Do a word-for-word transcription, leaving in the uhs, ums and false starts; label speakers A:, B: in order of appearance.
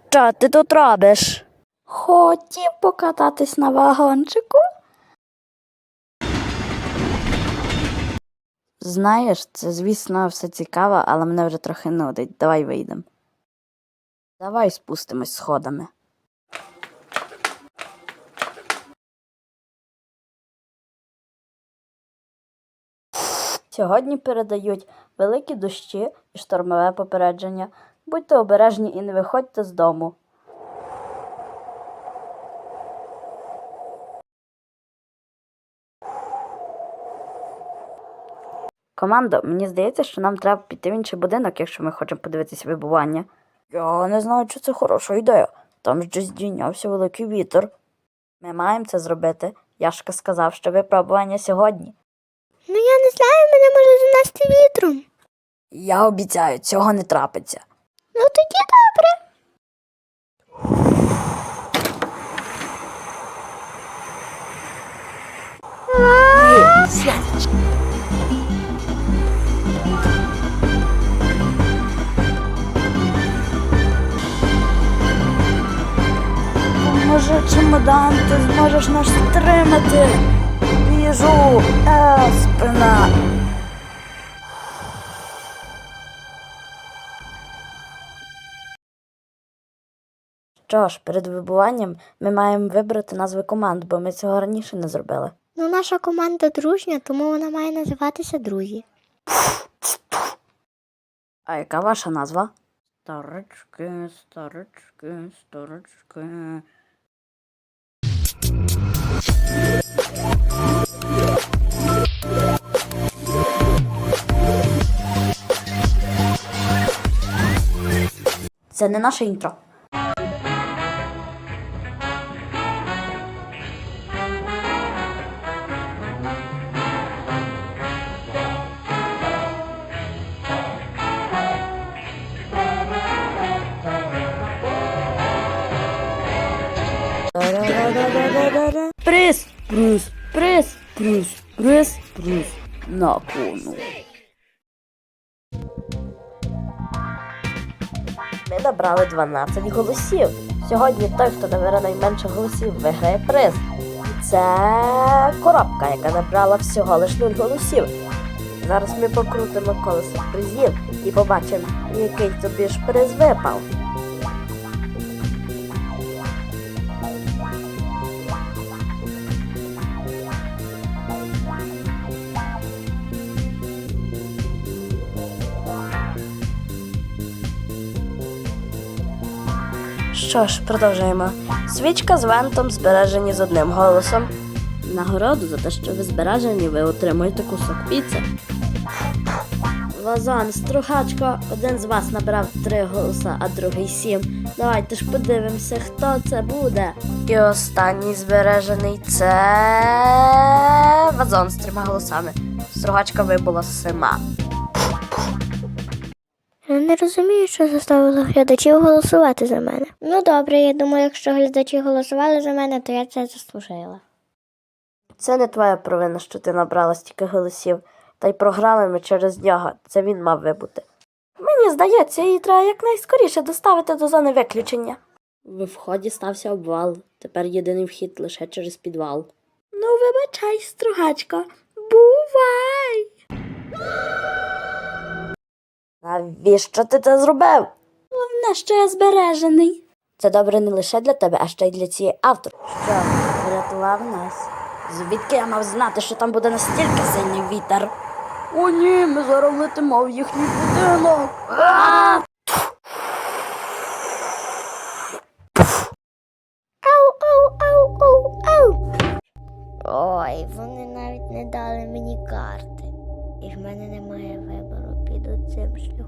A: Що ти тут робиш? Хотів покататись на вагончику. Знаєш, це, звісно, все цікаво, але мене вже трохи нудить. Давай вийдемо. Давай спустимось сходами. Сьогодні передають великі дощі і штормове попередження. Будьте обережні і не виходьте з дому. Командо, мені здається, що нам треба піти в інший будинок, якщо ми хочемо подивитися вибування. Я не знаю, чи це хороша ідея. Там же здійнявся великий вітер. Ми маємо це зробити. Яшка сказав, що випробування сьогодні.
B: Ну я не знаю, мене може занести вітром.
A: Я обіцяю, цього не трапиться.
B: Ну тоді добре.
A: Ні, сядь. Може, чемодан, ти зможеш нас стримати. Біжу, е, спина. Що ж, перед вибуванням ми маємо вибрати назви команд, бо ми цього раніше не зробили.
B: Ну наша команда дружня, тому вона має називатися «Друзі».
A: А яка ваша назва? Старички, старички, старички. Це не наше інтро. Приз, приз, приз, приз, приз, приз на кону. Ми набрали дванадцять голосів. Сьогодні той, хто набере найменше голосів, виграє приз. Це коробка, яка набрала всього лиш нуль голосів. Зараз ми покрутимо колесо призів і побачимо, який тобі ж приз випав. Що ж, продовжуємо. Свічка з вентом збережені з одним голосом. Нагороду за те, що ви збережені, ви отримуєте кусок піци. Вазон, Стругачко, один з вас набрав три голоса, а другий сім. Давайте ж подивимося, хто це буде. І останній збережений – це Вазон з трьома голосами. Стругачка вибула з сема.
B: Я не розумію, що заставило глядачів голосувати за мене. Ну добре, я думаю, якщо глядачі голосували за мене, то я це заслужила.
A: Це не твоя провина, що ти набрала стільки голосів. Та й програли ми через нього. Це він мав вибути. Мені здається, її треба якнайскоріше доставити до зони виключення. В вході стався обвал. Тепер єдиний вхід лише через підвал. Ну, вибачай, Стругачко. Бувай! Навіщо ти це зробив? Головне, що я збережений. Це добре не лише для тебе, а ще й для цієї авторки. Що, врятував нас? Звідки я мав знати, що там буде настільки сильний вітер? О ні, ми зараз летимо в їхній будинок.
B: Ау, ау, ау, ау, ау. Ой, вони навіть не дали мені карти. І в мене немає вибору, піду цим шляхом.